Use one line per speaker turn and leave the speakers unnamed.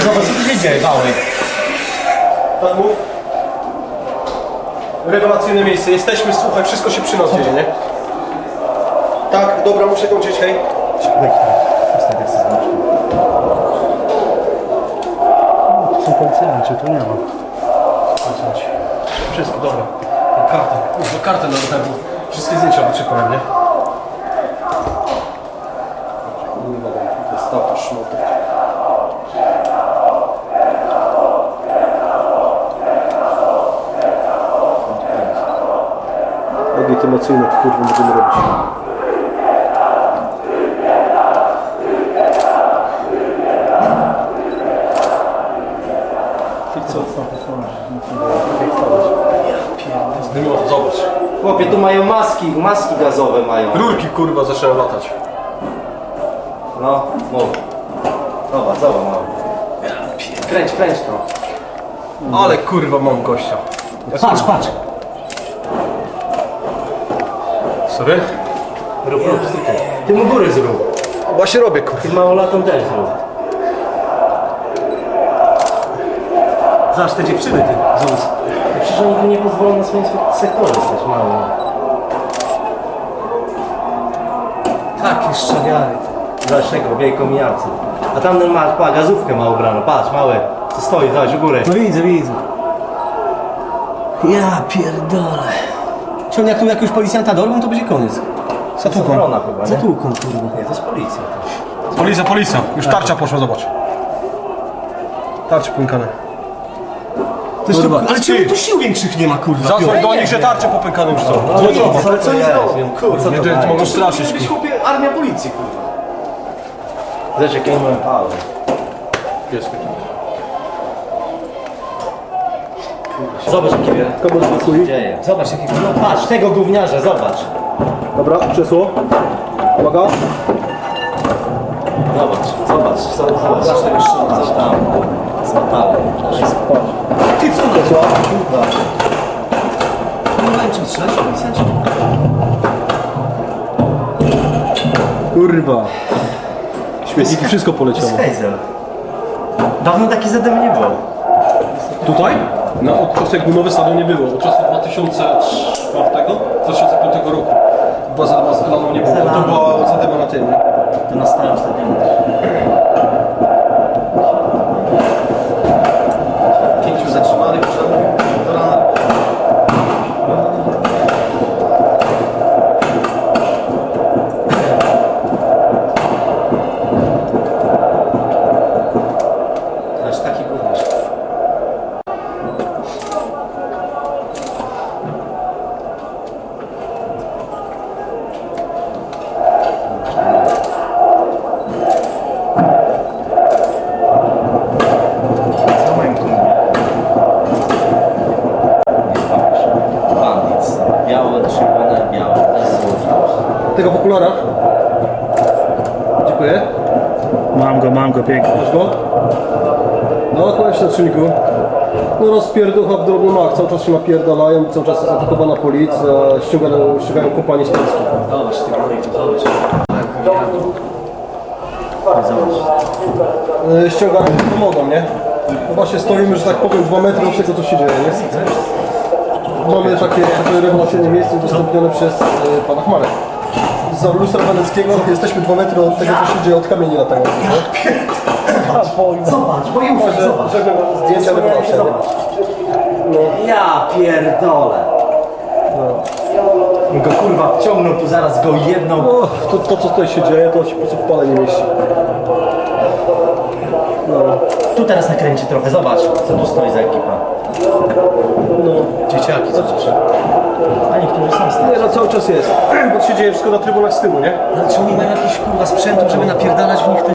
Zobacz, co tu się dzieje, mały.
Tak mów. Rewelacyjne miejsce. Jesteśmy, słuchaj, wszystko się przy nas dzieje, nie? Tak, dobra, muszę kończyć, hej.
Są policjanci, tu nie ma.
Wszystko, dobra. Kartę. Kurwa, kartę na ten. Wszystkie zdjęcia wyczekałem, nie? Kurwa, to szmotek. Legitymacyjne, kurwa, będziemy robić. Zdymioto, zobacz.
Chłopie, tu mają maski gazowe mają.
Rurki, kurwa, zaczęły latać.
No, mów. Zobacz, mały. Kręć to.
Ale kurwa, mam gościa.
Patrz.
Sorry?
Rób, stykaj. Ty mu góry zrób.
Właśnie robię, kurwa.
Ty małolatą też zrób. Zobacz te dziewczyny, ty. Zobacz. Przecież oni tu nie pozwolą na swoim sektorze stać, mały. Takie szczawiary, ty. Zobacz tego, wiejką mijacy. A tamten ma, gazówkę ma ubraną. Patrz, mały. Co stoi, zobacz, u góry.
No widzę. Ja pierdolę. Czy on jak tu jakiegoś policjanta dorwą, to będzie koniec.
Zatłuką chyba, nie?
Zatłuką, kurwa.
Nie, to jest policja.
Policja. Już tarcza poszła, zobacz. Tarcze pękane.
To jest to, ale czemu tu sił większych nie ma, kurwa?
Zadzwoń do nich, że tarcze popękane już są.
Ale co jest robią? Kurwa,
Nie, to mogą straszyć.
Jesteś chłopie armia policji, kurwa. Zobacz, jakie mamy pały.
Jest taki.
Zobacz, jakie się dzieje. Zobacz, jakie no patrz, tego gówniarza, zobacz.
Dobra, krzesło. Uwaga.
Zobacz tego szuma, coś tam. Z metalu.
Ty co to?
Kurwa.
Nie mają czym strzelać, policjanci?
Kurwa. Śmietniki, wszystko poleciało.
Hejzel. Dawno taki zadem nie było.
Tutaj? No, od czasu jak nowy stadion nie było. Od czasu 2004, 2005 roku. Była zadema z Elaną nie było. To była zadema na tym, nie?
To na starym stadionie. 5 zatrzymanych do rana. Aż taki gówniarz. Co moim kumie? Nie zbawisz. Bandit. Białe, czerwone, białe. To jest złoto.
Tego w okularach. Dziękuję.
Mam go, pięknie.
Masz go? No, kłaść na czynniku. No rozpierducha w drobny mak. Cały czas się napierdalają, cały czas jest atakowana policja, ściągają kompanię z Polski.
Zobacz, ty górniku, zobacz. Zobacz.
Ściągają pomogą, nie? No właśnie stoimy, że tak powiem, 2 metry od tego, co się dzieje, nie? Mamy takie rewelacyjne miejsce udostępnione przez pana Chmarę. Z lustra weneckiego jesteśmy 2 metry od tego, co się dzieje, od kamieni latających, nie?
Zobacz, bojówka, zobacz.
Żeby zdjęcia rewelacja, nie?
Ja pierdolę. Go kurwa wciągnął tu zaraz go jedną.
No, to co tutaj się dzieje, to się po prostu w pale nie mieści.
Tu teraz nakręci trochę, zobacz co tu stoi za ekipa.
No.
Dzieciaki, zobacz. A niektórzy są
Nie,
stali.
no cały czas jest. Bo się dzieje wszystko na trybunach z tyłu, nie?
Ale czy oni mają jakiś kurwa sprzętu, żeby napierdalać w nich te